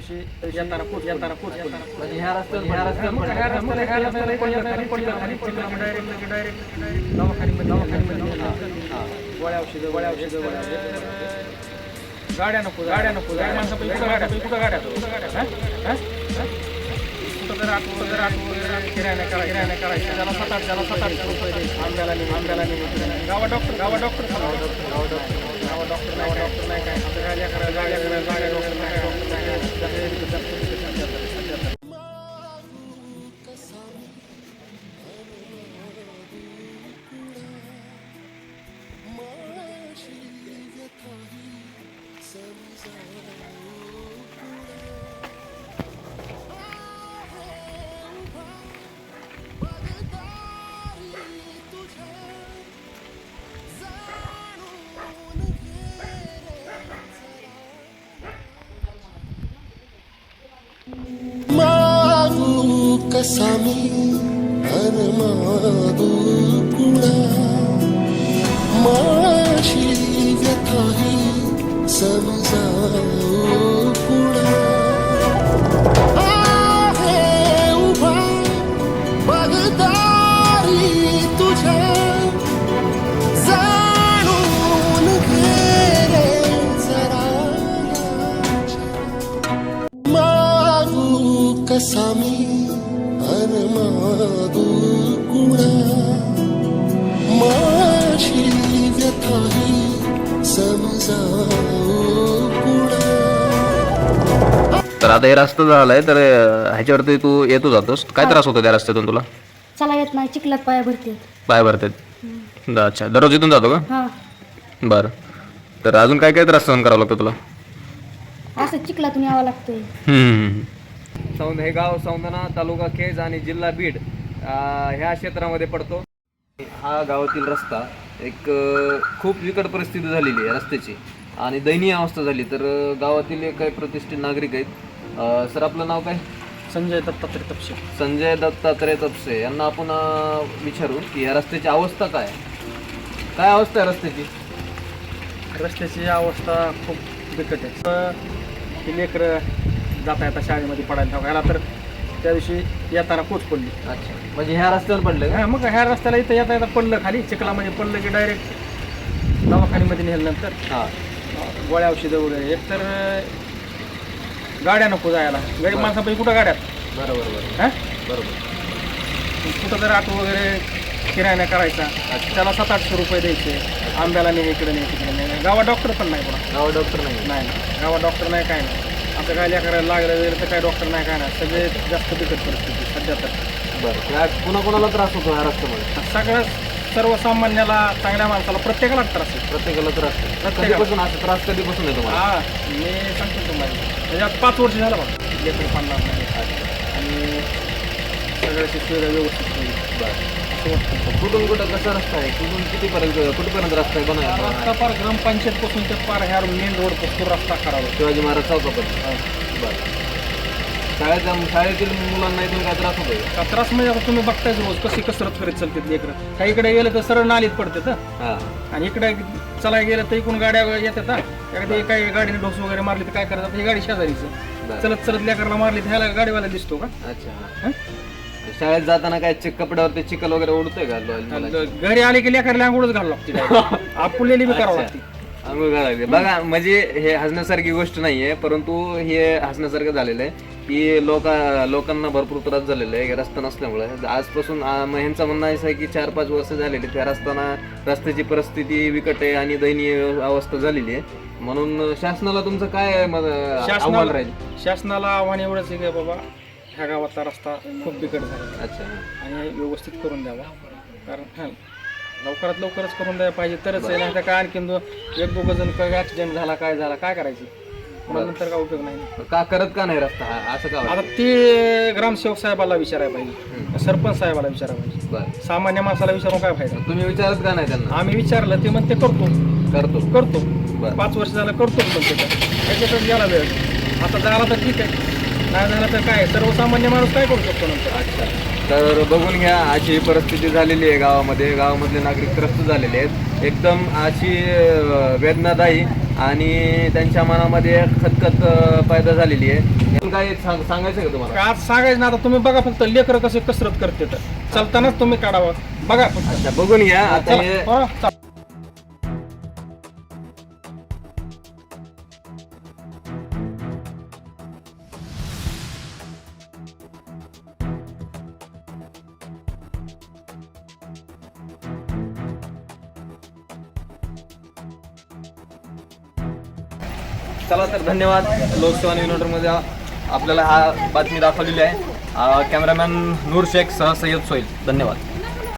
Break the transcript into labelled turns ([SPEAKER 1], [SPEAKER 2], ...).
[SPEAKER 1] दिवशी येताना पोच
[SPEAKER 2] म्हणजे ह्या रस्त्यावर
[SPEAKER 1] डायरेक्ट दवाखान्यामध्ये गोळ्या औषधं गाड्या नको माणसापैकी कुठं गाड्या किराणा करायचं त्याला 7-8 रुपये द्यायचे आंब्याला गावा डॉक्टर नाही काय आता गाड्या डॉक्टर नाही
[SPEAKER 3] कसामी अनमादू कुणा माशी व्यथाही समजाऊ कुणा आहे उभा बगदारी तुझ्या जाणून घे रे जरा मागू कसामी अनमादू कुणा माशी व्यथाही समजाऊ कुणा.
[SPEAKER 2] तर आता हे रस्ता झालाय तर ह्याच्यावरती तू येतो जातोस काय त्रास होतो त्या रस्त्यातून तुला?
[SPEAKER 4] चला येत नाही चिखलात पाया भरते.
[SPEAKER 2] पाय भरतात अच्छा दररोज इथून जातो का?
[SPEAKER 4] हा
[SPEAKER 2] बरं तर अजून काय काय त्रास सहन करावा लागतो तुला?
[SPEAKER 4] असं चिखलातून यावं लागतंय.
[SPEAKER 2] सौंद हे गाव सौंदना तालुका केज आणि जिल्हा बीड ह्या क्षेत्रामध्ये पडतो. हा गावातील रस्ता एक खूप बिकट परिस्थिती झालेली आहे रस्त्याची आणि दयनीय अवस्था झाली. तर गावातील एक काही प्रतिष्ठित नागरिक आहेत. सर आपलं नाव काय?
[SPEAKER 1] संजय दत्तात्रय तपसे.
[SPEAKER 2] संजय दत्तात्रय तपसे यांना आपण विचारू की या रस्त्याची अवस्था काय अवस्था आहे
[SPEAKER 1] रस्त्याची अवस्था खूप बिकट आहे. ही लेकरं जाता येता शाळेमध्ये पडायला ह्याला तर त्या दिवशी येताना कोच पडली.
[SPEAKER 2] अच्छा म्हणजे ह्या रस्त्यावर पडलं का?
[SPEAKER 1] मग ह्या रस्त्याला इथं येता पडलं खाली चिखलामध्ये पडलं की डायरेक्ट दवाखान्यामध्ये नेल्यानंतर
[SPEAKER 2] हां
[SPEAKER 1] गोळ्या औषधं वगैरे एक तर गाड्या नको जायला गरीब माणसापैकी कुठं गाड्यात
[SPEAKER 2] बरोबर
[SPEAKER 1] कुठं तर ऑटो वगैरे किराणा करायचा त्याला 700-800 रुपये द्यायचे आंब्याला नाही इकडे नाही तिकडे नाही. गावा डॉक्टर पण नाही कोणा
[SPEAKER 2] गावा डॉक्टर नाही
[SPEAKER 1] गावा डॉक्टर नाही काय नाही. आता काय करायला लागलं वगैरे तर काय डॉक्टर नाही काय नाही. सगळे जास्त बिकट परिस्थिती सध्या तर.
[SPEAKER 2] बरं कोणाला त्रास होतो ह्या रस्त्यामध्ये?
[SPEAKER 1] सगळं सर्वसामान्याला चांगल्या माणसाला प्रत्येकाला त्रास आहे.
[SPEAKER 2] प्रत्येकाला त्रास कधीपासून असं त्रास कधीपासून आहे तुम्हाला?
[SPEAKER 1] मी सांगतो तुम्हाला म्हणजे आता 5 वर्ष झालं बघा लेकर 50 नाही आणि सगळ्याची सुविधा व्यवस्थित होईल.
[SPEAKER 2] बरं कुठून कुठं कसा रस्ता आहे कुठपर्यंत रस्ता आहे बनवायचा?
[SPEAKER 1] रस्ता पार ग्रामपंचायतपासून ते पार ह्या मेन रोड पासून रस्ता करावा
[SPEAKER 2] शिवाजी महाराज चौकापर्यंत. बरं शाळेतील मुलांना इथून काय त्रास होतोय
[SPEAKER 1] का? त्रास म्हणजे आता तुम्ही बघतायच रोज कशी कसरत करीत चालते लेकरं. काही इकडे गेलं तर सरळ नालीत पडते तर आणि इकडे चला गेलं तर इकडून गाड्या येतात. एखादी काही गाडीने ढोस वगैरे मारली तर काय करायचं? ही गाडी शेजारीचं चलत लेकरला मारली तर ह्याला गाडीवाला दिसतो का?
[SPEAKER 2] अच्छा शाळेत जाताना काय कपड्यावरती चिखल वगैरे उडतोय का?
[SPEAKER 1] घरी आले की लेकरला आंघोळच घालावं लागते. आपुलेली बी करावं लागते.
[SPEAKER 2] आंघोळ घालावी. बघा म्हणजे हे हसण्यासारखी गोष्ट नाहीये परंतु हे हसण्यासारखं झालेलं आहे की लोकांना भरपूर त्रास झालेला आहे रस्ता नसल्यामुळे. आजपासून ह्यांचं म्हणणं असं आहे की 4-5 वर्ष झालेली त्या रस्त्याची परिस्थिती विकट आहे आणि दयनीय अवस्था झालेली आहे. म्हणून शासनाला तुमचं काय आव्हान राहील?
[SPEAKER 1] शासनाला आव्हान एवढंच आहे की बाबा ह्या गावातला रस्ता खूप बिकट झाला.
[SPEAKER 2] अच्छा
[SPEAKER 1] आणि व्यवस्थित करून द्यावा. कारण लवकरच करून द्यायला पाहिजे तरच आहे. नाही तर काय आणखीन 1-2 जण काय ऍक्सिडेंट झाला काय करायचं नंतर काय उपयोग नाही.
[SPEAKER 2] का करत का नाही रस्ता असं का?
[SPEAKER 1] आता ते ग्रामसेवक साहेबाला विचारायला पाहिजे सरपंच साहेबाला विचारायला पाहिजे. सामान्य माणसाला विचारून काय फायदा?
[SPEAKER 2] तुम्ही विचारत का नाही त्यांना?
[SPEAKER 1] आम्ही विचारलं ते म्हणते करतो 5 वर्ष झालं करतो त्याच्याकडे गेला वेळ. आता झाला तर ठीक आहे नाही झालं तर काय सर्वसामान्य माणूस काय करू शकतो नंतर.
[SPEAKER 2] अच्छा तर बघून घ्या अशी परिस्थिती झालेली आहे गावामधले नागरिक त्रस्त झालेले आहेत. एकदम अशी वेदनादायी आणि त्यांच्या मनामध्ये खतखत पैदा झालेली आहे. काय सांगायचं का तुम्हाला?
[SPEAKER 1] आज सांगायचं ना, आता तुम्ही बघा फक्त लेकरं कसे कसरत करते तर चालतानाच तुम्ही काढावं बघा फक्त.
[SPEAKER 2] अच्छा बघून घ्या आता
[SPEAKER 1] चला,
[SPEAKER 2] हे
[SPEAKER 1] हो, चला.
[SPEAKER 2] चला तर धन्यवाद. लोकसेवा न्यूजमध्ये आपल्याला हा बातमी दाखवलेली आहे. कॅमेरामॅन नूर शेख सह सय्यद सोईल. धन्यवाद.